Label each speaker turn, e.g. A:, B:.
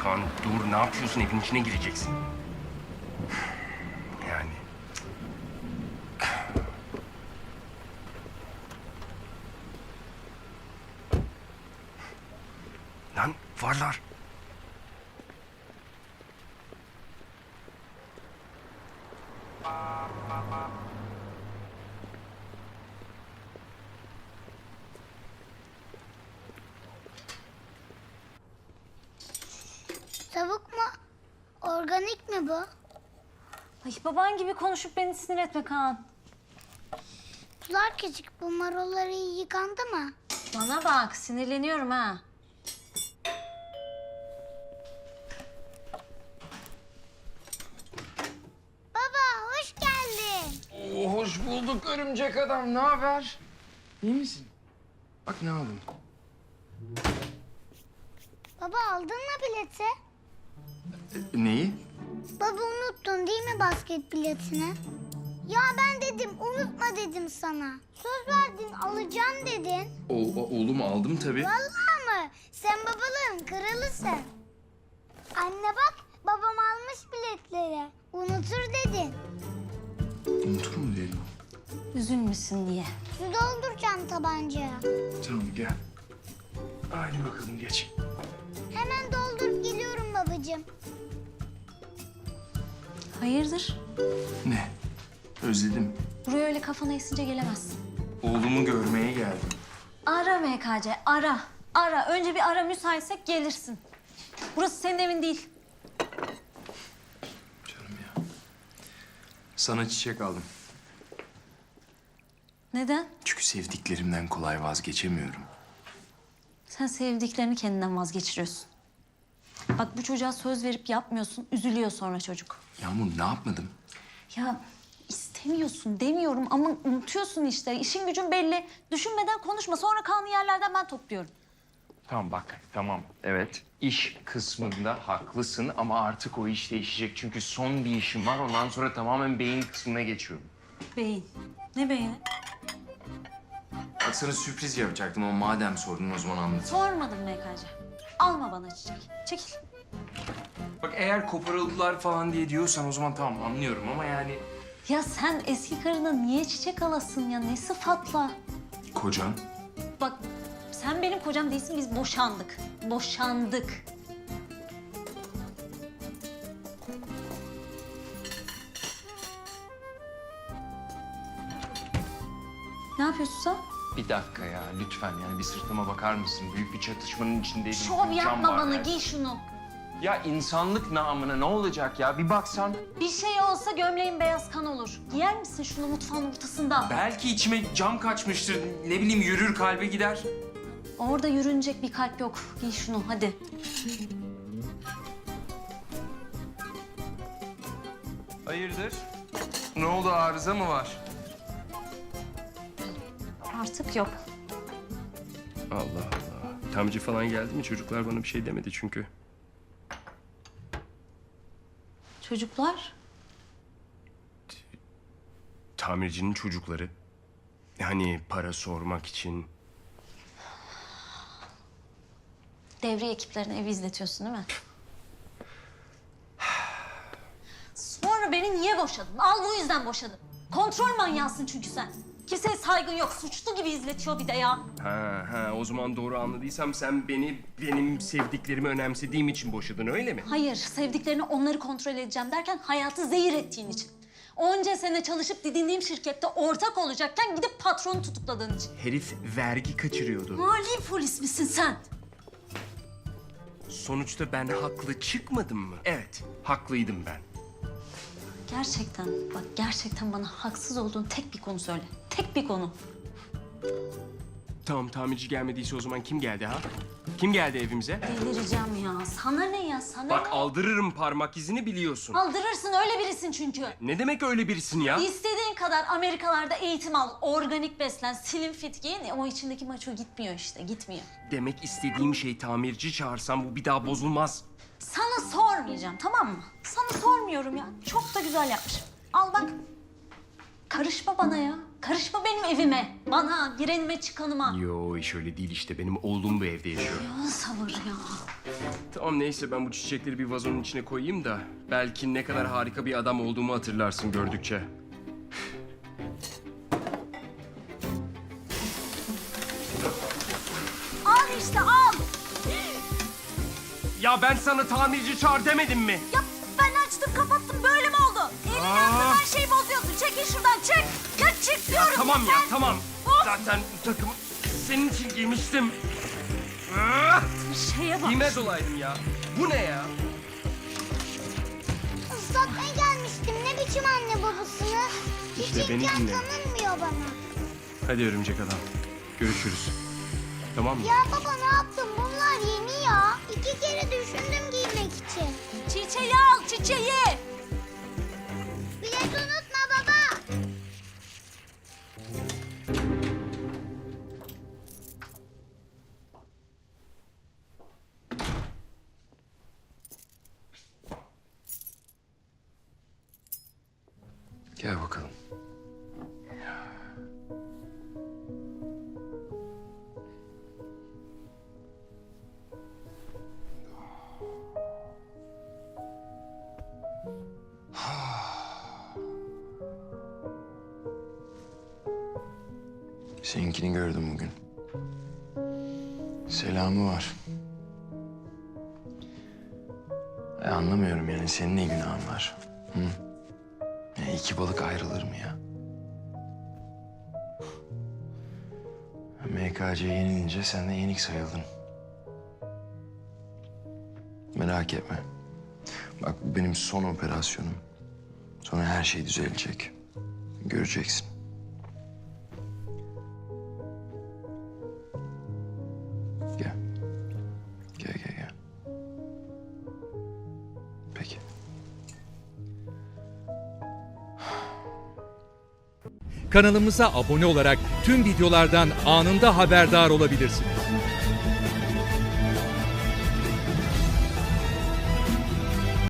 A: Kaan dur, ne yapıyorsun? Evin içine gireceksin. Yani... Lan varlar.
B: Tavuk mu? Organik mi bu?
C: Ay baban gibi konuşup beni sinir etme Kaan.
B: Sular küçük. Bu marulları iyi yıkandı mı?
C: Bana bak sinirleniyorum ha.
B: Baba hoş geldin.
D: Hoş bulduk örümcek adam. Ne haber? İyi misin? Bak ne aldım.
B: Baba aldın mı bileti?
D: Neyi?
B: Baba unuttun değil mi basket biletini? Ya ben dedim unutma dedim sana. Söz verdin alacağım dedin.
D: Oğlum aldım tabii.
B: Vallahi mı? Sen babalığın kralısın. Anne bak babam almış biletleri. Unutur dedin.
D: Unutur mu dedim?
C: Üzülmüşsün diye.
B: Su dolduracağım tabancaya.
D: Tamam gel. Hadi bakalım geç.
B: Hemen doldurup geliyorum babacığım.
C: Hayırdır?
D: Ne? Özledim.
C: Buraya öyle kafana esince gelemezsin.
D: Oğlumu görmeye geldim.
C: Ara MKC, ara. Ara. Önce bir ara, müsaitsek gelirsin. Burası senin evin değil.
D: Canım ya. Sana çiçek aldım.
C: Neden?
D: Çünkü sevdiklerimden kolay vazgeçemiyorum.
C: Sen sevdiklerini kendinden vazgeçiriyorsun. Bak bu çocuğa söz verip yapmıyorsun, üzülüyor sonra çocuk.
D: Yağmur ne yapmadım?
C: Ya istemiyorsun demiyorum ama unutuyorsun işte. İşin gücün belli. Düşünmeden konuşma. Sonra kanlı yerlerden ben topluyorum.
D: Tamam bak, tamam. Evet, iş kısmında haklısın ama artık o iş değişecek. Çünkü son bir işim var, ondan sonra tamamen beyin kısmına geçiyorum.
C: Beyin. Ne beyni?
D: Bak sana sürpriz yapacaktım ama madem sordun o zaman anlat.
C: Sormadım MKC. Alma bana çiçek. Çekil.
D: Bak eğer koparıldılar falan diye diyorsan o zaman tamam anlıyorum ama yani...
C: Ya sen eski karına niye çiçek alasın ya? Ne sıfatla?
D: Kocan?
C: Bak sen benim kocam değilsin. Biz boşandık. Boşandık. Ne yapıyorsun sen?
D: Bir dakika ya lütfen yani bir sırtıma bakar mısın? Büyük bir çatışmanın içindeydim.
C: Şov
D: Can
C: yapma
D: var
C: bana.
D: yani.
C: Giy şunu.
D: Ya insanlık namına ne olacak ya? Bir baksan.
C: Bir şey olsa gömleğin beyaz kan olur. Giyer misin şunu mutfağın ortasında?
D: Belki içime cam kaçmıştır. Ne bileyim yürür kalbe gider.
C: Orada yürünecek bir kalp yok. Giy şunu hadi.
D: Hayırdır? Ne oldu arıza mı var?
C: Artık yok.
A: Allah Allah. Tamirci falan geldi mi? Çocuklar bana bir şey demedi çünkü.
C: Çocuklar?
A: Tamircinin çocukları. Hani para sormak için.
C: Devriye ekiplerine evi izletiyorsun değil mi? Sonra beni niye boşadın? Al bu yüzden boşadım. Kontrol manyağısın çünkü sen. Kimseye saygın yok. Suçlu gibi izletiyor bir de ya.
A: Ha, o zaman doğru anladıysam sen beni benim sevdiklerimi önemsediğim için boşadın öyle mi?
C: Hayır, sevdiklerini onları kontrol edeceğim derken hayatı zehir ettiğin için. Onca sene çalışıp didindiğim şirkette ortak olacakken gidip patronu tutukladığın için.
A: Herif vergi kaçırıyordu.
C: Mali polis misin sen?
A: Sonuçta ben haklı çıkmadım mı? Evet, haklıydım ben.
C: Gerçekten, bak gerçekten bana haksız olduğun tek bir konu söyle. Tek bir konu.
A: Tamam, tamirci gelmediyse o zaman kim geldi ha? Kim geldi evimize?
C: Delireceğim ya. Sana ne ya? Sana
A: Bak
C: ne?
A: aldırırım parmak izini biliyorsun.
C: Aldırırsın öyle birisin çünkü.
A: Ne demek öyle birisin ya?
C: İstediğin kadar Amerikalarda eğitim al, organik beslen, slim fit giyin. O içindeki maço gitmiyor işte, gitmiyor.
A: Demek istediğim şey tamirci çağırsam bu bir daha bozulmaz.
C: Sana sormayacağım, tamam mı? Sana sormuyorum ya. Çok da güzel yapmışım. Al bak. Karışma bana ya. Karışma benim evime. Bana, girenime, çıkanıma.
A: Yo iş öyle değil işte. Benim oğlum bu evde yaşıyor.
C: Ya sabır ya.
A: Tamam neyse ben bu çiçekleri bir vazonun içine koyayım da belki ne kadar harika bir adam olduğumu hatırlarsın gördükçe.
C: Al işte al.
A: Ya ben sana tamirci çağır demedim mi?
C: Ya ben açtım kapattım böyle mi oldu? Elini her şeyi bozuyorsun. Çekil şuradan çık. Ya çık diyorum.
A: Tamam ya
C: yeter.
A: tamam.
C: Of.
A: Zaten bu takımı senin için giymiştim. Ah!
C: Şeye bak.
A: Giymez olaydım ya. Bu ne ya?
B: Islatmaya gelmiştim. Ne biçim anne babasınız?
A: İşte
B: Hiç
A: beni
B: imkan
A: dinle.
B: tanınmıyor bana.
A: Hadi örümcek adam. Görüşürüz. Tamam mı?
B: Ya baba ne yaptın? Bunlar yeni ya. 2 kere düşündüm giymek için.
C: Çiçeği al çiçeği.
B: Bilet unutma baba.
D: Gel bakalım. Seninkini gördüm bugün. Selamı var. Anlamıyorum yani senin ne günahın var? Hı? Ya iki balık ayrılır mı ya? MKC yenilince sen de yenik sayıldın. Merak etme. Bak bu benim son operasyonum. Sonra her şey düzelecek. Göreceksin. Gel. Gel. Peki.
E: Kanalımıza abone olarak tüm videolardan anında haberdar olabilirsiniz.